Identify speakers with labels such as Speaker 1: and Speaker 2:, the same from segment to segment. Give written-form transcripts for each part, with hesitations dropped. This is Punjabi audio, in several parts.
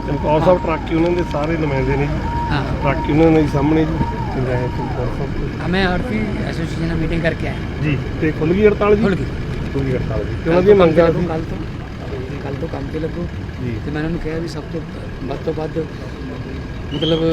Speaker 1: ਚਮਕੌਰ ਸਾਹਿਬ ਟਰੱਕ ਯੂਨੀਅਨ ਦੇ ਸਾਰੇ ਨੁਮਾਇੰਦੇ ਨੇ ਜੀ।
Speaker 2: हाँ
Speaker 1: ਟਰੱਕ ਯੂਨੀਅਨ ਦੇ ਸਾਹਮਣੇ ਜੀ ਚੰਗਾਇਆ ਚਮਕੌਰ ਸਾਹਿਬ ਤੋਂ।
Speaker 2: हमें आरती एसोसिएशन में मीटिंग करके आए हैं।
Speaker 1: ਜੀ ਤੇ ਖੁੱਲ੍ਹ ਗਈ ਹੜਤਾਲ ਜੀ?
Speaker 2: खुल गई
Speaker 1: ਖੁੱਲ੍ਹ ਗਈ ਹੜਤਾਲ ਜੀ ਤੇ ਉਹਨਾਂ ਦੀਆਂ ਮੰਗਾਂ ਸੀ
Speaker 2: कल तो काम पे लगो
Speaker 1: ਜੀ।
Speaker 2: तो मैंने उन्हें कहा भी सब तो ਵੱਧ मतलब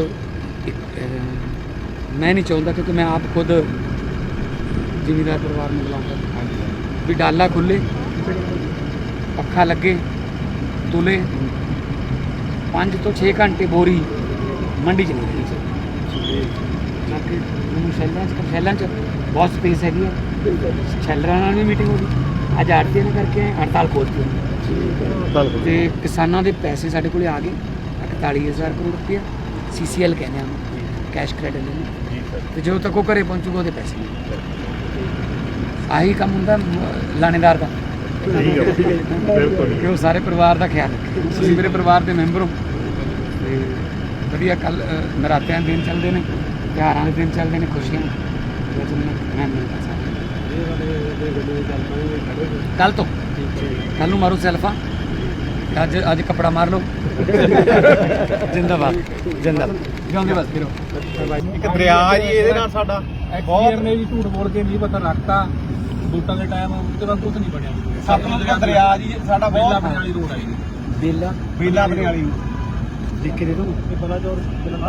Speaker 2: मैं नहीं चाहता क्योंकि मैं आप खुद जिमीदार परिवार में बुलाऊँगा भी डाला खुले पखा लगे तुले 5 ਤੋਂ 6 ਘੰਟੇ ਬੋਰੀ ਮੰਡੀ ਚ ਨਹੀਂ ਰਹੀ ਬਾਕੀ ਮੈਨੂੰ ਸ਼ੈਲਾਂ ਚ ਬਹੁਤ ਸਪੇਸ ਹੈਗੀ ਹੈ ਸ਼ੈਲਰਾਂ ਨਾਲ ਵੀ ਮੀਟਿੰਗ ਹੋ ਗਈ ਅੱਜ ਆੜਤੀ ਨੇ ਕਰਕੇ ਹੜਤਾਲ ਖੋਲ੍ਹਤੀ
Speaker 1: ਹੜਤਾਲ
Speaker 2: ਤੇ ਕਿਸਾਨਾਂ ਦੇ ਪੈਸੇ ਸਾਡੇ ਕੋਲੇ ਆ ਗਏ 41,000 ਕਰੋੜ ਰੁਪਇਆ CCL ਕਹਿੰਦੇ ਆ ਕੈਸ਼ ਕ੍ਰੈਡਿਟ ਨੇ
Speaker 1: ਜੀ ਸਰ।
Speaker 2: ਤੇ ਜਦੋਂ ਤੱਕ ਉਹ ਘਰੇ ਪਹੁੰਚੂਗਾ ਉਹਦੇ ਪੈਸੇ ਨਹੀਂ ਆਹੀ ਕੰਮ ਹੁੰਦਾ ਲਾਣੇਦਾਰ ਦਾ
Speaker 1: ਬਿਲਕੁਲ
Speaker 2: ਕਿ ਉਹ ਸਾਰੇ ਪਰਿਵਾਰ ਦਾ ਖਿਆਲ ਰੱਖੇ ਤੁਸੀਂ ਮੇਰੇ ਪਰਿਵਾਰ ਦੇ ਮੈਂਬਰ ਹੋ ਤੇ ਵਧੀਆ ਕੱਲ ਨਰਾਤਿਆਂ ਦੇ ਦਿਨ ਚੱਲਦੇ ਨੇ ਤਿਉਹਾਰਾਂ ਦੇ ਦਿਨ ਚੱਲਦੇ ਨੇ ਖੁਸ਼ੀਆਂ ਮੈਂ ਮਿਲਦਾ ਕੱਲ ਤੋਂ ਕੱਲ ਨੂੰ ਮਾਰੋ ਸੈਲਫਾ ਅੱਜ ਕੱਪੜਾ ਮਾਰ ਲਓ ਜਿੰਦਾਬਾਦ ਜਿੰਦਾਬਾਦ ਜਿਉਂਦੇ ਬਸ ਫਿਰੋ
Speaker 1: ਇੱਕ ਦਰਿਆ ਜੀ ਇਹਦੇ ਨਾਲ ਸਾਡਾ
Speaker 3: ਬਹੁਤ ਨੇ ਜੀ ਝੂਠ ਬੋਲ ਕੇ ਨਹੀਂ ਪਤਾ ਰੱਖਤਾ ਵੋਟਾਂ ਦੇ ਟਾਈਮ ਉਹਦੇ ਬਾਅਦ ਕੁਝ ਨਹੀਂ ਬਣਿਆ
Speaker 1: ਸਤਲੁਜ ਦਾ ਦਰਿਆ ਜੀ ਸਾਡਾ
Speaker 3: ਬੇਲਾ
Speaker 1: ਬਹੁਤ
Speaker 3: ਵਾਲੀ ਰੋਡ ਆਈ
Speaker 2: ਬੇਲਾ
Speaker 1: ਬੇਲਾ ਬਣੇ ਵਾਲੀ
Speaker 2: ਲਿਖ ਕੇ ਦੇ ਦੋ
Speaker 3: ਇਹ ਬਲਾਚੌਰ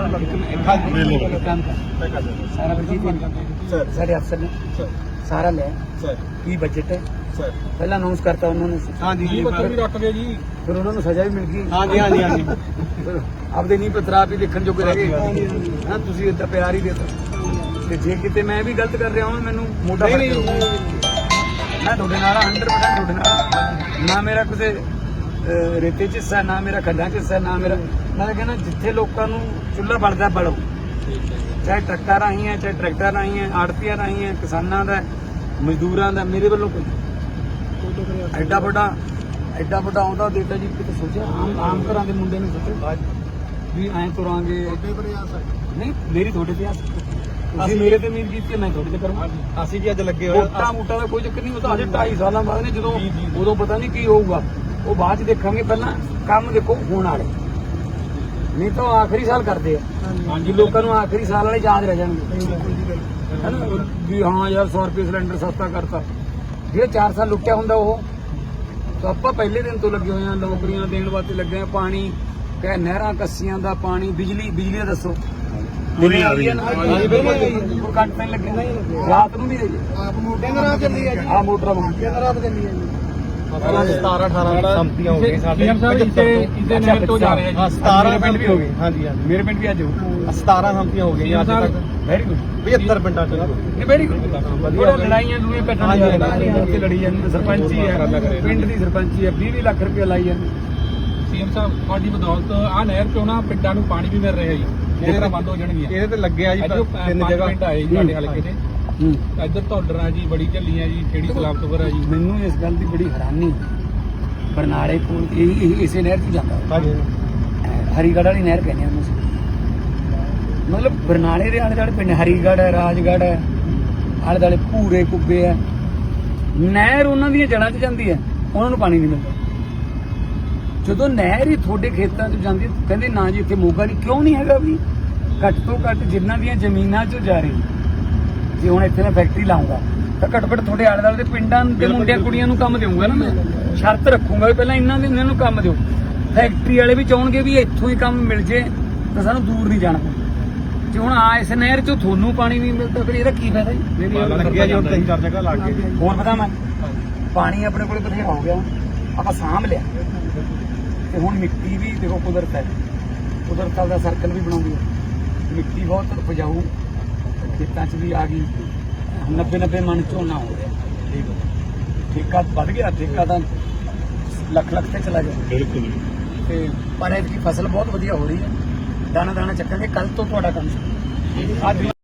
Speaker 2: ਕੰਮ ਕਰ ਸਾਰਾ ਬਜਟ ਸਾਡੇ ਅਫਸਰ ਨੇ ਸਾਰਾ ਲੈ
Speaker 1: ਸਰ
Speaker 2: ਕੀ ਬਜਟ ਹੈ
Speaker 1: ਸਰ
Speaker 2: ਪਹਿਲਾਂ ਅਨਾਉਂਸ ਕਰਤਾ ਉਹਨਾਂ ਨੇ
Speaker 1: ਹਾਂਜੀ ਜੀ
Speaker 3: ਪੱਤਰ ਵੀ ਰੱਖ ਗਏ ਜੀ
Speaker 2: ਫਿਰ ਉਹਨਾਂ ਨੂੰ ਸਜ਼ਾ ਵੀ ਮਿਲ ਗਈ
Speaker 1: ਹਾਂਜੀ ਹਾਂਜੀ ਹਾਂਜੀ
Speaker 2: ਫਿਰ ਆਪਦੇ ਨਹੀਂ ਪਤਰਾ ਵੀ ਦੇਖਣ ਜੋਗੇ ਰਹਿ ਗਏ ਹਾਂ ਤੁਸੀਂ ਇੱਦਾਂ ਪਿਆਰ ਹੀ ਦੇਤਾ ਤੇ ਜੇ ਕਿਤੇ ਮੈਂ ਵੀ ਗਲਤ ਕਰ ਰਿਹਾ ਹਾਂ ਮੈਨੂੰ ਮੋਢਾ ਫੜ ਕੇ ਰੋਕੋ। ਮੈਂ ਤੁਹਾਡੇ ਨਾਲ 100% ਤੁਹਾਡੇ ਨਾਲ ਨਾ ਮੇਰਾ ਕਿਸੇ ਰੇਤੇ 'ਚ ਹਿੱਸਾ ਨਾ ਮੇਰਾ ਖੱਡਾਂ 'ਚ ਹਿੱਸਾ ਨਾ ਮੇਰਾ ਮੈਂ ਕਹਿੰਦਾ ਜਿੱਥੇ ਲੋਕਾਂ ਨੂੰ ਚੁੱਲ੍ਹਾ ਬਲਦਾ ਬਲੋ ਚਾਹੇ ਟਰੱਕਾਂ ਰਾਹੀਂ ਹੈ ਚਾਹੇ ਟਰੈਕਟਰ ਰਾਹੀਂ ਹੈ ਆੜਤੀਆਂ ਰਾਹੀਂ ਹੈ ਕਿਸਾਨਾਂ ਦਾ ਮਜ਼ਦੂਰਾਂ ਦਾ ਮੇਰੇ ਵੱਲੋਂ ਕੋਈ ਐਡਾ ਵੱਡਾ ਆਉਂਦਾ ਦੇਤਾ ਜੀ ਕਿਤੇ ਸੋਚਿਆ ਆਮ ਘਰਾਂ ਦੇ ਮੁੰਡੇ ਨੂੰ ਸੋਚੋ ਵੀ ਐਂ ਤੁਰਾਂਗੇ ਨਹੀਂ ਮੇਰੀ ਤੁਹਾਡੇ ਤੇ ਆਸ ਅਸੀਂ ਮੇਰੇ ਤੇ ਉਮੀਦ ਕੀਤੀ ਮੈਂ ਤੁਹਾਡੇ ਤੇ ਕਰੂੰਗਾ
Speaker 1: ਅਸੀਂ ਜੀ ਅੱਜ ਲੱਗੇ
Speaker 2: ਮੋਟਾ ਦਾ ਕੋਈ ਚੱਕਰ ਨਹੀਂ ਉਹ ਤਾਂ ਅਜੇ 2.5 ਸਾਲਾਂ ਬਾਅਦ ਨੇ ਜਦੋਂ ਉਦੋਂ ਪਤਾ ਨਹੀਂ ਕੀ ਹੋਊਗਾ ਉਹ ਬਾਅਦ ਚ ਦੇਖਾਂਗੇ ਪਹਿਲਾਂ ਕੰਮ ਦੇਖੋ ਹੋਣ ਵਾਲੇ ਨਹੀਂ ਤਾਂ ਆਖਰੀ ਸਾਲ ਕਰਦੇ ਆ ਹਾਂਜੀ ਲੋਕਾਂ ਨੂੰ ਆਖਰੀ ਸਾਲ ਵਾਲੇ ਯਾਦ ਰਹਿ ਜਾਣਗੇ ਹੈ ਨਾ ਵੀ ਹਾਂ ਯਾਰ 100 ਰੁਪਏ ਸਿਲੰਡਰ ਸਸਤਾ ਕਰਤਾ ਜਿਹੜੇ 4 ਸਾਲ ਲੁੱਟਿਆ ਹੁੰਦਾ ਉਹ ਤਾਂ ਆਪਾਂ ਪਹਿਲੇ ਦਿਨ ਤੋਂ ਲੱਗੇ ਹੋਏ ਆ ਨੌਕਰੀਆਂ ਦੇਣ ਵਾਸਤੇ ਲੱਗੇ ਆ ਪਾਣੀ ਕਹੇ ਨਹਿਰਾਂ ਕੱਸੀਆਂ ਦਾ ਪਾਣੀ ਬਿਜਲੀ ਦਾ ਦੱਸੋ
Speaker 1: ਬਿਜਲੀ ਆ ਰਹੀ ਹੈ
Speaker 2: ਕੱਟ ਪੈਣ ਲੱਗੇ ਰਾਤ ਨੂੰ ਵੀ
Speaker 3: ਦਿਨ ਰਾਤ ਚੱਲੀ ਹੈ ਜੀ
Speaker 2: ਆ ਮੋਟਰਾਂ
Speaker 3: ਦਿਨ ਰਾਤ ਚੱਲੀ ਹੈ ਜੀ
Speaker 1: 17-18 ਸੰਮਤੀਆਂ ਹੋ ਗਈਆਂ ਸਾਡੇ
Speaker 3: ਇਸੇ ਨਹਿਰ ਤੋਂ ਜਾ ਰਹੇ ਆ ਜੀ
Speaker 1: 17 ਪਿੰਡ ਵੀ ਹੋ ਗਏ ਹਾਂਜੀ ਹਾਂਜੀ
Speaker 2: ਮੇਰੇ ਪਿੰਡ ਵੀ ਅੱਜ
Speaker 1: 17 ਸੰਮਤੀਆਂ ਹੋ ਗਈਆਂ ਅੱਜ ਤੱਕ
Speaker 2: ਵੈਰੀ ਗੁੱਡ
Speaker 1: 75 ਪਿੰਡਾਂ ਚ
Speaker 2: ਇਹ ਵੈਰੀ ਗੁੱਡ ਵਧੀਆ ਲੜਾਈਆਂ ਲੂਏ ਪੈਟਰਨ ਤੇ ਲੜੀ ਜਾਂਦੇ ਸਰਪੰਚੀ ਹੈ ਪਿੰਡ ਦੀ ਸਰਪੰਚੀ ਹੈ 20 ਲੱਖ ਰੁਪਏ ਲਾਈ ਜਾਂਦੇ
Speaker 3: ਸੀਐਮ ਸਾਹਿਬ ਤੁਹਾਡੀ ਬਦੌਲਤ ਆ ਨਹਿਰ ਚੋਂ ਨਾ ਪਿੰਡਾਂ ਨੂੰ ਪਾਣੀ ਵੀ ਮਿਲ ਰਿਹਾ ਜੀ ਨਹਿਰਾਂ ਬੰਦ ਹੋ ਜਾਣਗੀਆਂ
Speaker 1: ਇਹਦੇ ਤੇ ਲੱਗਿਆ ਜੀ 3 ਜਗ੍ਹਾ
Speaker 3: ਪਿੰਡ ਆਏ ਜੀ ਸਾਡੇ ਹਲਕੇ ਦੇ ਇੱਧਰ ਧੌਲਰਾਂ ਜੀ ਬੜੀ ਝੱਲੀਆਂ ਜੀ ਖੇੜੀ ਸਲਾਮਤਪੁਰ ਆ ਜੀ
Speaker 2: ਮੈਨੂੰ ਇਸ ਗੱਲ ਦੀ ਬੜੀ ਹੈਰਾਨੀ ਬਰਨਾਲੇ ਕੋਲ ਇਹ ਇਸੇ ਨਹਿਰ 'ਚ ਜਾਂਦਾ
Speaker 1: ਹਾਂਜੀ
Speaker 2: ਹਰੀਗੜ੍ਹ ਵਾਲੀ ਨਹਿਰ ਕਹਿੰਦੇ ਆ ਉਹਨੂੰ ਮਤਲਬ ਬਰਨਾਲੇ ਦੇ ਆਲੇ ਦੁਆਲੇ ਪਿੰਡ ਹਰੀਗੜ੍ਹ ਹੈ ਰਾਜਗੜ੍ਹ ਹੈ ਆਲੇ ਦੁਆਲੇ ਭੂਰੇ ਕੁੱਬੇ ਹੈ ਨਹਿਰ ਉਹਨਾਂ ਦੀਆਂ ਜੜ੍ਹਾਂ 'ਚ ਜਾਂਦੀ ਹੈ ਉਹਨਾਂ ਨੂੰ ਪਾਣੀ ਨਹੀਂ ਮਿਲਦਾ ਜਦੋਂ ਨਹਿਰ ਹੀ ਤੁਹਾਡੇ ਖੇਤਾਂ 'ਚ ਜਾਂਦੀ ਕਹਿੰਦੇ ਨਾ ਜੀ ਇੱਥੇ ਮੋਗਾ ਨਹੀਂ ਕਿਉਂ ਨਹੀਂ ਹੈਗਾ ਵੀ ਘੱਟ ਤੋਂ ਘੱਟ ਜਿਨ੍ਹਾਂ ਦੀਆਂ ਜ਼ਮੀਨਾਂ 'ਚ ਜਾ ਰਹੀ ਜੇ ਹੁਣ ਇੱਥੇ ਮੈਂ ਫੈਕਟਰੀ ਲਾਉਂਗਾ ਤਾਂ ਘੱਟੋ ਘੱਟ ਤੁਹਾਡੇ ਆਲੇ ਦੁਆਲੇ ਦੇ ਪਿੰਡਾਂ ਦੇ ਮੁੰਡਿਆਂ ਕੁੜੀਆਂ ਨੂੰ ਕੰਮ ਦੇਵਾਂਗਾ ਨਾ ਮੈਂ ਸ਼ਰਤ ਰੱਖੂੰਗਾ ਵੀ ਪਹਿਲਾਂ ਇਹਨਾਂ ਨੂੰ ਕੰਮ ਦਿਓ ਫੈਕਟਰੀ ਵਾਲੇ ਵੀ ਚਾਹਣਗੇ ਵੀ ਇੱਥੋਂ ਹੀ ਕੰਮ ਮਿਲ ਜੇ ਤਾਂ ਸਾਨੂੰ ਦੂਰ ਨਹੀਂ ਜਾਣਾ ਜੇ ਹੁਣ ਆ ਇਸ ਨਹਿਰ 'ਚੋਂ ਤੁਹਾਨੂੰ ਪਾਣੀ ਨਹੀਂ ਮਿਲਦਾ ਫਿਰ ਇਹਦਾ ਕੀ ਫਾਇਦਾ ਜੀ
Speaker 1: ਲੱਗਿਆ ਜੀ ਹੁਣ 3-4 ਜਗ੍ਹਾ ਲੱਗ ਗਏ
Speaker 2: ਹੋਰ ਪਤਾ ਮੈਂ ਪਾਣੀ ਆਪਣੇ ਕੋਲ ਬਥੇਰਾ ਹੋ ਗਿਆ ਆਪਾਂ ਸਾਂਭ ਲਿਆ ਤੇ ਹੁਣ ਮਿੱਟੀ ਵੀ ਦੇਖੋ ਕੁਦਰਤ ਹੈ ਕੁਦਰਤ ਦਾ ਸਰਕਲ ਵੀ ਬਣਾਉਂਦੀ ਹੈ ਮਿੱਟੀ ਬਹੁਤ ਉਪਜਾਊ ਖੇਤਾਂ 'ਚ ਵੀ ਆ ਗਈ 90 ਮਣ ਝੋਨਾ ਹੋ ਰਿਹਾ ਠੇਕਾ ਵੱਧ ਗਿਆ ਠੇਕਾ ਤਾਂ ਲੱਖ ਤੇ ਚਲਾ ਗਿਆ
Speaker 1: ਬਿਲਕੁਲ
Speaker 2: ਤੇ ਪਰ ਇਹਦੀ ਫਸਲ ਬਹੁਤ ਵਧੀਆ ਹੋ ਰਹੀ ਹੈ ਦਾਣਾ ਚੱਕਾਂਗੇ ਕੱਲ ਤੋਂ ਤੁਹਾਡਾ ਕੰਮ ਸ਼ੁਰੂ ਅੱਜ